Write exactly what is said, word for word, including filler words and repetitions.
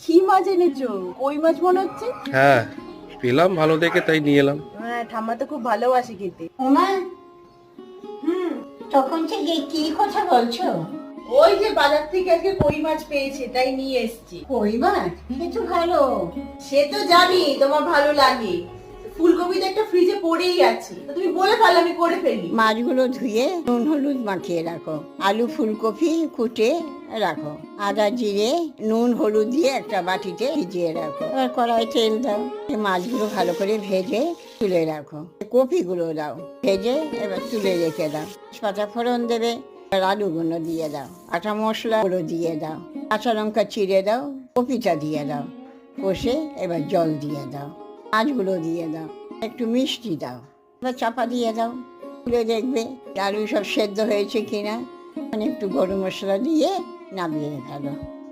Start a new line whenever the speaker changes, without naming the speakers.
কি মাছ এনেছো? কই মাছ মনে হচ্ছে।
হ্যাঁ, পেলাম ভালো দেখে তাই নিয়ে এলাম।
হ্যাঁ, ঠাম্মা তো খুব ভালোবাসে খেতে।
ওমা, হুম, তখন থেকে কি কথা বলছো?
ওই যে বাজার থেকে আজকে কই মাছ পেয়েছে তাই নিয়ে এসেছি।
কই মাছ? সে তো ভালো।
সে তো জানি তোমার ভালো লাগে। ফুলকপি তো একটা ফ্রিজে পড়েই আছে, তো তুমি বলে পারলে আমি করে ফেলি।
মাছগুলো ধুয়ে নুন হলুদ মাখিয়ে রাখো। আলু ফুলকপি কুটে রাখো। আদা জিরে নুন হলুদ দিয়ে একটা বাটিতে ভিজিয়ে রাখো। এবার কড়াই তেল দাও, এই মাছগুলো ভালো করে ভেজে তুলে রাখো। কপিগুলো দাও ভেজে, এবার তুলে রেখে দাও। পাতা ফোড়ন দেবে, এবার আলুগুলো দিয়ে দাও, আটা মশলাগুলো দিয়ে দাও, কাঁচা লঙ্কা চিড়ে দাও, কপিটা দিয়ে দাও, কষে এবার জল দিয়ে দাও, মাছগুলো দিয়ে দাও, একটু মিষ্টি দাও, এবার চাপা দিয়ে দাও। খুলে দেখবে আলু সব সেদ্ধ হয়েছে কিনা, মানে একটু গরম মশলা দিয়ে নামিয়ে ফেলো।